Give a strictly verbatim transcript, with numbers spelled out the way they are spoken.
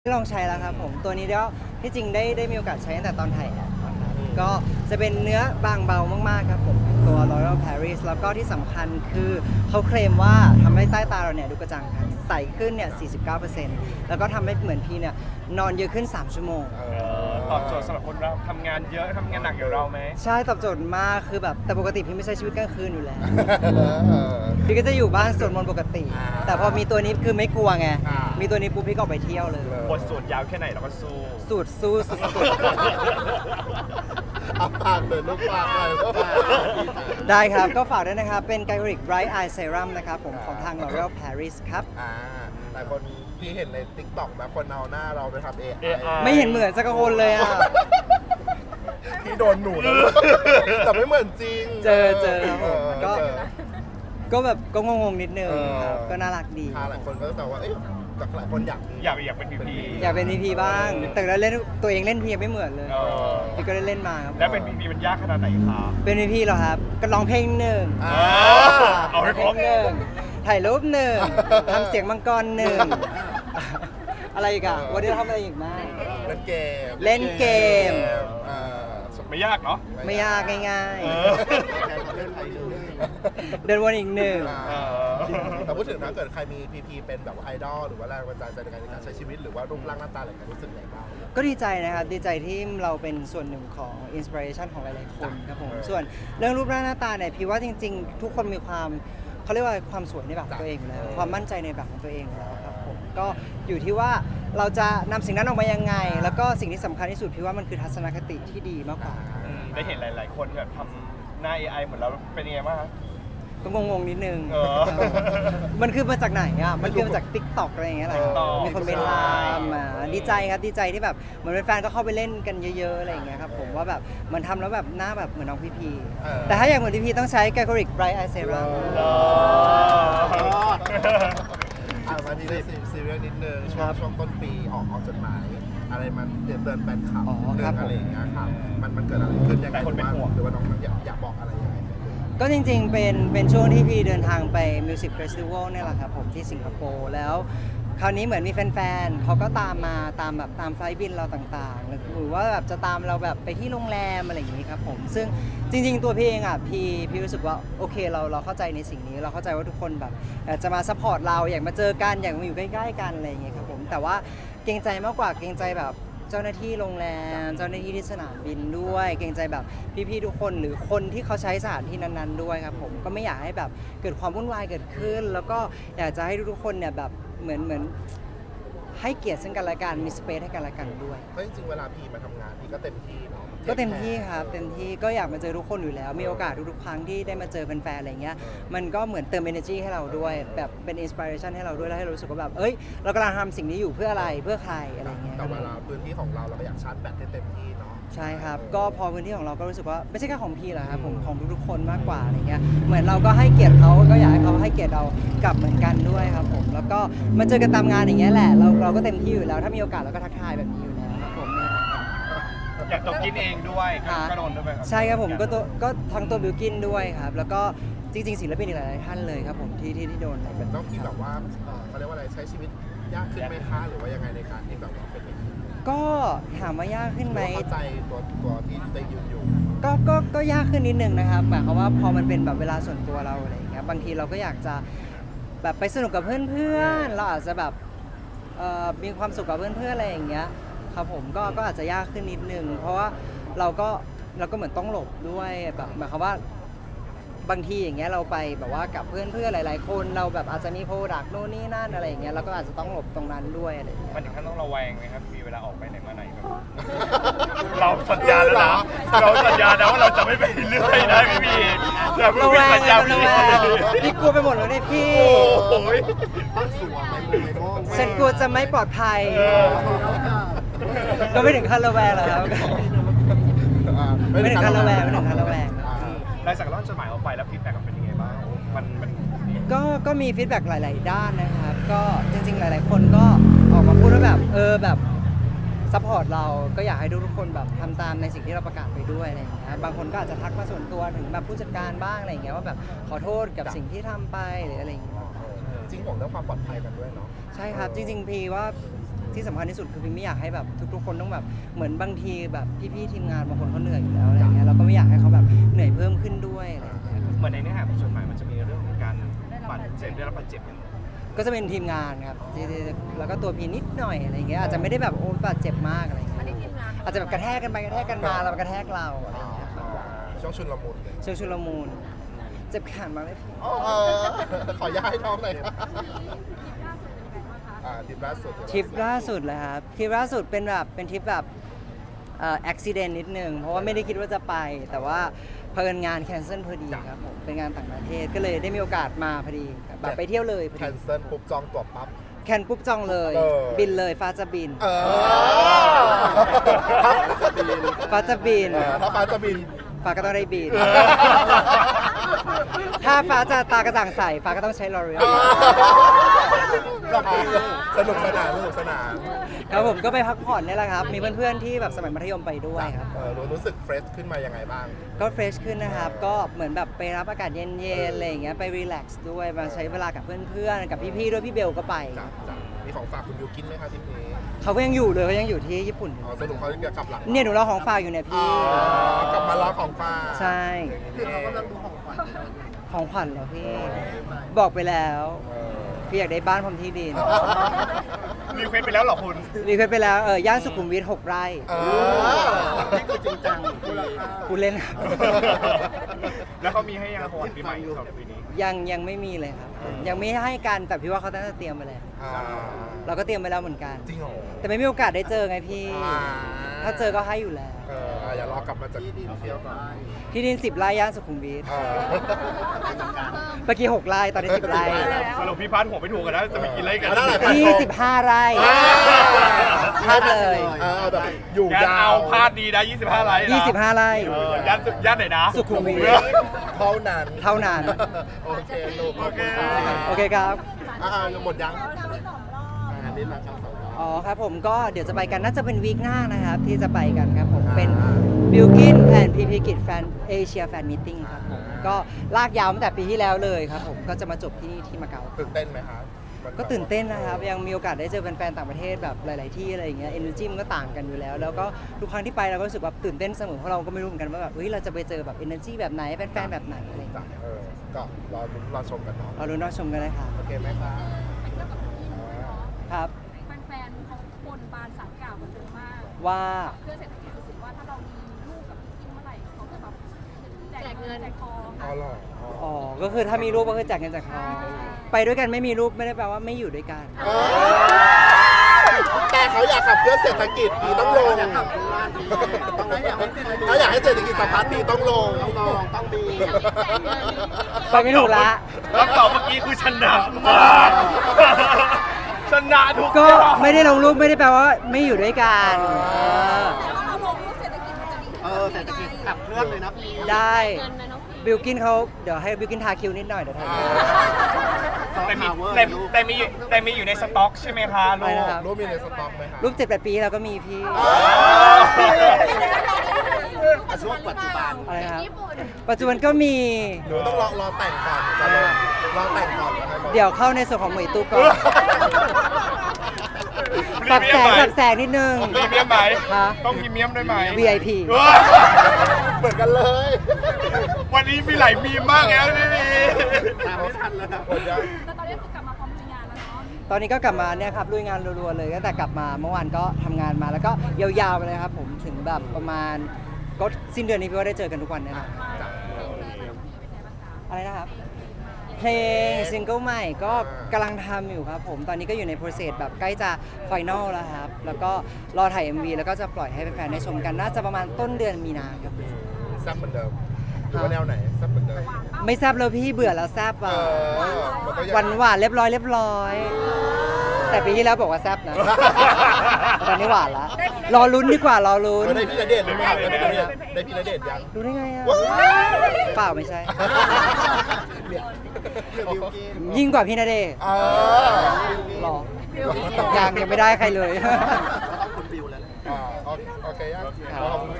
ลองใช้แล้วครับผมตัวนี้ก็ที่จริงได้ได้มีโอกาสใช้ตั้งแต่ตอนถ่ายแอดนะครับก็จะเป็นเนื้อบางเบามากๆครับผมตัว L'Oreal Paris แล้วก็ที่สำคัญคือเขาเคลมว่าทำให้ใต้ตาเราเนี่ยดูกระจ่างใสขึ้นเนี่ย สี่สิบเก้าเปอร์เซ็นต์ แล้วก็ทำให้เหมือนพี่เนี่ยนอนเยอะขึ้น สาม ชั่วโมงตอบโจทย์สำหรับคนเราทำงานเยอะทำงานหนักอย่างเราไหมใช่ตอบโจทย์มากคือแบบแต่ปกติพี่ไม่ใช่ชีวิตกลางคืนอยู่แล้ว พี่ก็จะอยู่บ้านสวดมนต์ปกติ แต่พอมีตัวนี้คือไม่กลัวไงมีตัวนี้ปุ๊บพี่ก็ออกไปเที่ยวเลยบทสวดยาวแค่ไหนเราก็สู้สูตรสู้สุดเอาปากเลยลูกปากเลยลูกปากๆได้ครับก็ฝากด้วยนะครับเป็น Glycolic Bright Eye Serum นะครับผมของทาง L'Oreal Paris ครับอ่าหลายคนที่เห็นใน ติ๊กต็อก นะคนเอาหน้าเราไปทำ เอ ไอไม่เห็นเหมือนสักคนเลยอ่ะที่โดนหนูนะแต่ไม่เหมือนจริงเจอเจอครับผมก็เจอก็แบบก็งงๆนิดนึงเออครับก็น่ารักดีหลายคนก็จะบอกว่าเอ๊ะแต่หลายคนอยากอยากอยากเป็นพีพีอยากเป็น พี พี บ้าง แต่แล้วเล่นตัวเองเล่นพีไม่เหมือนเลยเออพี่ก็ได้เล่นมาครับแล้วเป็นพีพีมันยากขนาดไหนคะเป็น พี พี เหรอครับก็ร้องเพลงหนึ่งอ่าเอาให้ครบหนึ่งถ่ายรูปหนึ่งทำเสียงมังกรหนึ่งอะไรอีกอะวันนี้เราทำอะไรอีกมากเล่นเกมเล่นเกมอ่าไม่ยากเนาะไม่ยากง่ายเออๆ เดินวนอีกหนึ่งอ่าแต่พูดถึงนะเกิดใครมี พี พี เป็นแบบว่าไอดอลหรือว่าแรงบันดาลใจในการใช้ชีวิตหรือว่ารูปร่างหน้าตาอะไรกันรู้สึกไงบ้างก็ดีใจนะครับดีใจที่เราเป็นส่วนหนึ่งของอินสปิเรชันของหลายๆคนครับผมส่วนเรื่องรูปร่างหน้าตาเนี่ยพี่ว่าจริงๆ ทุกคนมีความเขาเรียกว่าความสวยในแบบของตัวเองอยู่แล้วความมั่นใจในแบบของตัวเองอยู่แล้วครับผมก็อยู่ที่ว่าเราจะนำสิ่งนั้นออกมายังไง แล้วก็สิ่งที่สำคัญที่สุดพี่ว่ามันคือทัศนคติที่ดีมากกว่าอืมได้เห็นหลาย ๆ คนแบบทำหน้า เอ ไอ เหมือนเราเป็นยังไงบ้างคะก็งงๆนิดนึงเออมันคือมาจากไหนอ่ะ มันคือมาจาก ติ๊กต็อก อะไรอย่างเงี้ยแหละ TikTok มีคนไปตามมาดีใจครับ ดีใจที่แบบเหมือนแฟนๆก็เข้าไปเล่นกันเยอะๆ อะไรอย่างเงี้ยครับผมว่าแบบมันทำแล้วแบบหน้าแบบเหมือนน้องพีพีเออแต่ถ้าอยากเหมือนพีพีต้องใช้ Glycolic Bright Eye Serum เอออ่ามาที่ซีเรียสนิดนึงช่คว รังบช่วงต้นปีออกออกจดหมาย อะไรมันเตือนเตือนแฟนคลับอ๋อเรื่ครัอบ งอะไรอย่างเงี้ยครับมันมันเกิดอะไรขึ้นยังไงแต่คนเป็นห่วงหรือว่าน้องอยากอยากบอกอะไรยังไงก็จริงๆ เป็นเป็นช่วงที่พี่เดินทางไป Music Festival เนี่ยแหละครับผมที่สิงคโปร์แล้วคราวนี้เหมือนมีแฟนๆเขาก็ตามมาตามแบบตามไฟล์บินเราต่างๆ หรือว่าแบบจะตามเราแบบไปที่โรงแรมอะไรอย่างนี้ครับผมซึ่งจริงๆ ตัวพี่เองอ่ะพี่พี่รู้สึกว่าโอเคเราเราเข้าใจในสิ่งนี้ เราเข้าใจว่าทุกคนแบบอยากจะมาซัพพอร์ตเราอยากมาเจอกันอยากมาอยู่ใกล้ๆกันอะไรอย่างเงี้ยครับผมแต่ว่าเกรงใจมากกว่าเกรงใจแบบเจ้าหน้าที่โรงแรมเจ้าหน้าที่ที่สนามบินด้วย เกรงใจแบบพี่ๆทุกคนหรือคนที่เขาใช้สถานที่นั้นๆด้วยครับผมก็ไม่อยากให้แบบเกิดความวุ่นวายเกิดขึ้น แล้วก็อยากจะให้ทุกๆคนเนี่ยแบบเหมือนเหมือนให้เกียรติซึ่งกันและกันมีสเปซให้กันและกันด้วยเพราะจริงๆเวลาพี่มาทำงานพี่ก็เต็มที่เนาะก็เต็มที่ครับเต็มที่ก็อยากมาเจอทุกคนอยู่แล้ว มีโอกาสทุกๆครั้งที่ได้มาเจอแฟนๆอะไรเงี้ยมันก็เหมือนเติม energy ให้เราด้วยแบบเป็น inspiration ให้เราด้วยแล้วให้เรารู้สึกว่าแบบเอ้ยเรากำลังทำสิ่งนี้อยู่เพื่ออะไรเพื่อใครอะไรเงี้ยแต่เวลาพื้นที่ของเราเราก็อยากชาร์จแบตให้เต็มที่เนาะใช่ครับก็พอพื้นที่ของเราก็รู้สึกว่าไม่ใช่แค่ของพี่หรอกครับผมของทุกๆคนมากกว่าอะไรเงี้ยเหมือนเราก็ให้เกียรติเขาก็อยากให้เขาให้เกียรติเรากลับเหมือนกันด้วยครับผมแล้วก็มาเจอกันตามงานอย่างเงี้ยแหละเราเราก็เต็มที่อยู่แล้วถ้ามีโอกาสเราก็ทักทายแบบนี้อยู่แล้วครับผมเนี่ยอยากตกกินเองด้วยค่ะก็โดนด้วยไหมครับใช่ครับผมก็ตัวก็ทั้งตัวบิวกินด้วยครับแล้วก็จริง ๆศิลปินอีกหลายๆท่านเลยครับผมที่ที่ที่โดนอะไรแบบน้องนี้พี่คแบรับบว่าเอ่อเขาเรียกว่าอะไรใช้ชีวิตยากขึ้นไหมคะหรือว่ายังไงในการที่แบบว่าเป็นอย่างนี้ก็ถามว่ายากขึ้นไหมเข้าใจตัวตัวที่ได้ยืนอยู่ก็ก็ก็ยากขึ้นนิดนึงนะครับหมายความว่าพอมันเป็นแบบเวลาส่วนตัวเราอะไรอย่างเงี้ยบางทีเราก็อยากจะแบบไปสนุกกับเพื่อนๆเราอาจจะแบบเอ่อมีความสุขกับเพื่อนๆอะไรอย่างเงี้ยครับผมก็ก็อาจจะยากขึ้นนิดนึงเพราะว่าเราก็เราก็เหมือนต้องหลบด้วยแบบหมายความว่าบางทีอย่างเงี้ยเราไปแบบว่ากับเพื่อนๆหลายๆคนเราแบบอาจจะมีโปรดักต์โน่นนี่นั่นอะไรอย่างเงี้ยเราก็อาจจะต้องหลบตรงนั้นด้วยอะไรอย่างเงี้ยมันถึงขั้นต้องระแวงไหมครับมีเวลาออกไปไหนมาไหนแบบเราสัญญาแล้วนะเราสัญญานะว่าเราจะไม่ไปเรื่อยนะพี่พีเราเพิ่งระมีแวงสัญญาระพี่แวงพี่กลัวไปหมดแล้วเนี่ยพี่โอ้ยตั้งสัวไปเลยโม่ฉันกลัวจะไม่ปลอดภัย ก็ไม่ถึงขั้นระแวงหรอกครับ ไม่ถึงขั้นระแวงไม่ถึงขั้นระแวงหลังจากร่อนจดหมายออกไปแล้วฟีดแบ็กเป็นยังไงบ้างมันมันก็ก็มีฟีดแบ็กหลาย ๆ ด้านนะครับ ก็จริง ๆ หลาย ๆ คนก็ออกมาพูดว่าแบบเออแบบซัพพอร์ตเราก็อยากให้ทุกคนแบบทำตามในสิ่งที่เราประกาศไปด้วยอะไรอย่างเงี้ยบางคนก็อาจจะทักมาส่วนตัวถึงแบบผู้จัดการบ้างอะไรอย่างเงี้ยว่าแบบขอโทษกับสิ่งที่ทำไปหรืออะไรอย่างเงี้ยจริงห่วงเรื่องความปลอดภัยกันด้วยเนาะใช่ครับจริง ๆ พีว่าที่สำคัญที่สุดคือพี่ไม่อยากให้แบบทุกๆคนต้องแบบเหมือนบางทีแบบพี่ๆทีมงานบางคนเขาเหนื่อยอยู่แล้วอะไรเงี้ยเราก็ไม่อยากให้เขาแบบเหนื่อยเพิ่มขึ้นด้วยอะไรเงี้ยเหมือนในเนื้อหาของจดหมายมันจะมีเรื่องของการบาดเจ็บได้รับบาดเจ็บอย่างก็จะเป็นทีมงานครับที่ที่แล้วก็ตัวพีนิดหน่อยอะไรเงี้ยอาจจะไม่ได้แบบโอ้บาดเจ็บมากอะไรเงี้ยอาจจะแบบกระแทกกันไปกระแทกกันมาแล้วกระแทกเราอะไรเงี้ยครับช่วงชุนละมุนเลยเชิงชุลมุนเจ็บแขนมาไหมพี่เออขอย้ายท้องหน่อยครับอ่าทริปล่าสุดทริปล่าสุดเลยครับทริปล่าสุดเป็นแบบเป็นทริปแบบเอ่ออุบิเหตุนิดนึงเพราะว่าไม่ได้คิดว่าจะไป แต่ว่าเพิ่นงานแคนเซิลพอดีครับผมเป็นงานต่างประเทศก็เลยได้มีโอกาสมาพอดีครับแบบไปเที่ยวเลยพอแคดีนเซิลปุ๊บจองตั๋วปั๊บแคนปุ๊บจองเลยเออบินเลยฟ้าจะบินเออฟ้าจะบินเออถ้าฟ้าจะบินฟ้าก็ต้องได้บิน ถ้าฟ้าจะตากระจ่างใสฟ้าก็ต้องใช้ลอรีสนุกสนานสนุกสนานครับผมก็ไปพักผ่อนนี่แหละครับ มีเพื่อนๆที่แบบสมัยมัธยมไปด้วยครับเออรู้รู้สึกเฟรชขึ้นมายังไงบ้างก็เฟรชขึ้นนะครับ ก็เหมือนแบบไปรับอากาศเย็นๆอะไรอย่างเงี้ยไปรีแลกซ์ด้วยมาใช้เวลากับเพื่อนๆกับพี่ๆด้วยพี่เบลก็ไปจ้ะจ้ะมีของฝากคุณบิวกินไหมคะทริปนี้เขาก็ยังอยู่เลยเขายังอยู่ที่ญี่ปุ่นอยู่อ๋อสรุปเขาจะกลับหลังเนี่ยหนูรอของฝากอยู่เนี่ยอ๋พี่อกลับมาล้อของฝากใช่คือเขากำลังดูของขวัญของขวัญเหรอพี่ บอกไปแล้วเออพี่อยากได้บ้านพร้อมที่ดินรีเควสไปแล้วเหรอคุณรีเควสไปแล้วเออย่านสุขุมวิทหกไร่เออนี่คือจริงจังมูลค่าคุณเล่นครับแล้วเขามีให้ยังของขวัญปีใหม่สำหรับปีนี้ยังยังไม่มีเลยครับ ยังไม่ให้กันแต่พี่ว่าเขาน่าจะเตรียมไปแล้วอ่าเราก็เตรียมไปแล้วเหมือนกันจริงเหรอแต่ไม่มีโอกาสได้เจอไงพี่อ่าถ้าเจอก็ให้อยู่แล้วเอออ่ะอย่ารอกลับมาจากที่ดินเที่ยวก่อนที่ดินสิบไร่ย่านสุขุมวิทเออเมื่อกี้หกไร่ตอนนี้สิบไร่สรุปพี่พันหัวไม่ถูกกันนะจะไปกินอะไรกันเอาได้ไหนยี่สิบห้าไร่อ่าพลาดเลยเออแบบอยู่งานยาเอาวพลาดดีนะยี่สิบห้าไลน์นะยี่สิบห้าไร่เออย่านสุย่านไหนนะสุขุมวิทเท่านั้นเท่านั้นโอเคลูกโอเคโอเคครับอ่าหมดยังอ่านิดละครับสองรอบอ๋อครับผมก็เดี๋ยวจะไปกันน่าจะเป็นวีคหน้านะครับ ที่จะไปกันครับผมเป็น Bilkin and พี พี กิจแฟนเอเชียแฟนมิทติ้งครับผมก็ลากยาวตั้งแต่ปีที่แล้วเลยครับผมก็จะมาจบที่นี่ที่มาเก๊าตื่นเต้นไหมครับก็ตื่นเต้นนะครับ ยังมีโอกาสได้เจอแฟนๆต่างประเทศแบบหลาย ๆ ที่อะไรอย่างเงี้ยเอเนอร์จีมันก็ต่างกันอยู่แล้ว แล้วก็ทุกครั้งที่ไปเราก็รู้สึกแบบตื่นเต้นเสมอเพราะเราก็ไม่รู้เหมือนกันว่าแบบเฮ้ยเราจะไปเจอแบบเอเนอร์จีแบบไหนแฟนๆแบบไหนอะไรอย่างจ้ะเงี้ยเออก็รอลุ้นรอชมกันเนาะเราดูน่าชมกันเลยครับโอเคไหมครับครับแฟนๆเขาบนบานสารกล่าวกันเยอะมากว่าเพื่อเศรษฐกิจรู้สึกว่าถ้าเรามีลูกกับพี่กินเมื่อไหร่เขาจะแบบแจกเงินแจกทองอ๋อเหรออ๋ออ๋อก็คือถ้ามีรูปก็คือแจกเงินจากเขาไปด้วยกันไม่มีรูปไม่ได้แปลว่าไม่อยู่ด้วยกันเออแต่เขาอยากขับเคลื่อนเศรษฐกิจดีต้องลงถ้าอยากให้เศรษฐกิจสะพัดดีต้องลงต้องลงต้องดีไปไม่ถูกละคำตอบเมื่อกี้คือชนะมากชนะทุกก็อย่างไม่ได้ลงรูปไม่ได้แปลว่าไม่อยู่ด้วยกันเออถ้าเราลงรูปเศรษฐกิจมันจะดีเออเศรษฐกิจขับเคลื่อนเลยนะพี่ได้เงินนะน้องพีบิลกินเขาเดี๋ยวให้บิลกินทาคิวนิดหน่อยเดี๋ยวทาคิวแต่มีแต่แต่มีแต่มีอยู่ในสต็อกใช่ไหมคะลูอะไรกนะครับรูปมีในสต็อกไหมครับรูปเจ็ดแปดปีเราก็มีพี่ช่วงปัจจุบันอะไรครับญี่ปุ่นปัจจุบันก็มีหนูต้องรอรอแต่งก่อนจะลงรอแต่งก่อนนะครับเดี๋ยวเข้าในส่วนของหมวยตู้ก่อนปรับแสงปรับแสงนิดนึงพรีเมียมไหมฮะต้องพรีเมียมด้วยไหมวี ไอ พีเว้ยเหมือนกันเลยวันนี้มีหลายมีมมากแล้วนี่นี่ตามไม่ทันแล้วนะหมดยังแต่ตอนนี้คือกลับมาพร้อมลุยงานแล้วเนาะตอนนี้ก็กลับมาเนี่ยครับลุยงานรัวๆเลยตั้งแต่กลับมาเมื่อวานก็ทำงานมาแล้วก็ยาวๆไปเลยครับผมถึงแบบประมาณก็สิ้นเดือนนี้พี่ว่าได้เจอกันทุกวันแน่นอนอะไรนะครับ เพลงซิงเกิลใหม่ก็กำลังทำอยู่ครับผมตอนนี้ก็อยู่ในโปรเซสแบบใกล้จะไฟนอลแล้วครับ แล้วก็รอถ่าย เอ็ม วี แล้วก็จะปล่อยให้แฟนๆได้ชมกันน่าจะประมาณต้นเดือนมีนาครับแซ่บเหมือนเดิมหรือว่าแนวไหนแซ่บเหมือนเดิมไม่แซบเลยพี่เบื่อแล้วแซบเออ่ะอมันก็ยังหวานหวานๆเรียบร้อยเรียบร้อย แต่ปีที่แล้วบอกว่าแซบนะ ตอนนี้หวานละรอลุ้นดีกว่ารอลุ้นเออได้พี่ณเดชน์หรือเปล่าได้พี่ณเดชน์ได้พี่ณเดชน์ยังรู้ได้ไงอ่ะว้ายเปล่าไม่ใช่เดี๋ยวเดี๋ยวบิวกินยิ่งกว่าพี่ณเดชน์เออหรอยังยังไม่ได้ใครเลยคุณบิวแล้วอ่าโอเคโอเคยังครับขอบคุณ